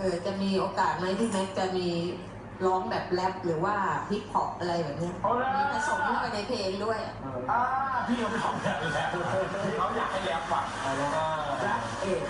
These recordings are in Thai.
จะมีโอกาสไหมที่แม็กจะมีร้องแบบแรปหรือว่าฮิปฮอปอะไรแบบนี้มีผสมเข้าไปในเพลงด้วยพี่เขาไม่ทำแบบนี้แล้วเขาอยากให้แรปฟังแรปเอก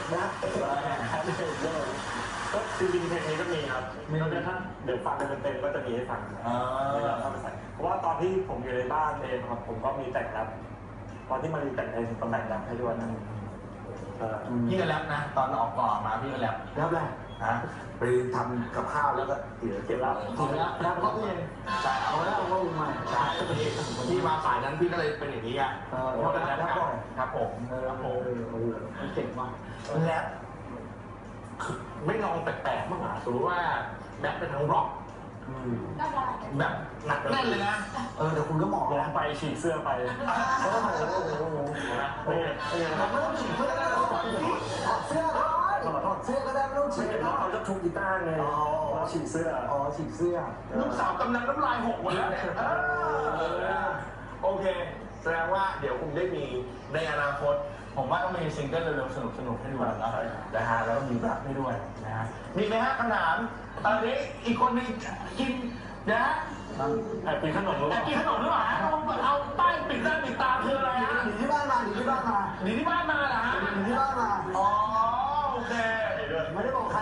ก็จริงๆเพลงนี้ก็มีครับมีแล้วถ้าเดี๋ยวฟังกันเต็มๆก็จะมีให้ฟังเข้าไปใส่เพราะว่าตอนที่ผมอยู่ในบ้านเองครับผมก็มีแต่งแรปตอนที่มาแต่งเองก็แต่งแรปให้ด้วยนะพี่ก็แรปนะตอนออกก่อนมาพี่ก็แรปแรปไปทำกับข้าวแล้วก็เก็บแล้วแล้วก็เองใช่เอาแล้วก็ใหม่ใช่ที่มาสายนั้นพี่ก็เลยเป็นอย่างนี้อ่ะเพราะฉะนั้นครับผมเก่งมากแรปไม่ลองแปลกๆบ้างหรอสมมติว่าแรปเป็นทางร็อกแบบหนักแน่นเลยนะแต่คุณก็เหมาะร้องไปฉีกเสื้อไปไม่ต้องฉีกเสื้อก็ได้ถอดเสื้อก็ได้ไม่ต้องฉีกแล้วเขาจะทุบกีตาร์ไงฉีกเสื้อฉีกเสื้อลูกสาวกำลังน้ำลายหกหมดแล้วเนี่ยโอเคแสดงว่าเดี๋ยวคุณได้มีในอนาคตผมว่าต้องมีซิงเกิลเร็วๆสนุกๆให้ดูแล้วนะฮะแล้วมีแบบให้ด้วยนะฮะมีไหมฮะคำถามอีกคนนึงกินนะฮะกินขนมหรือเปล่าหรือเปล่า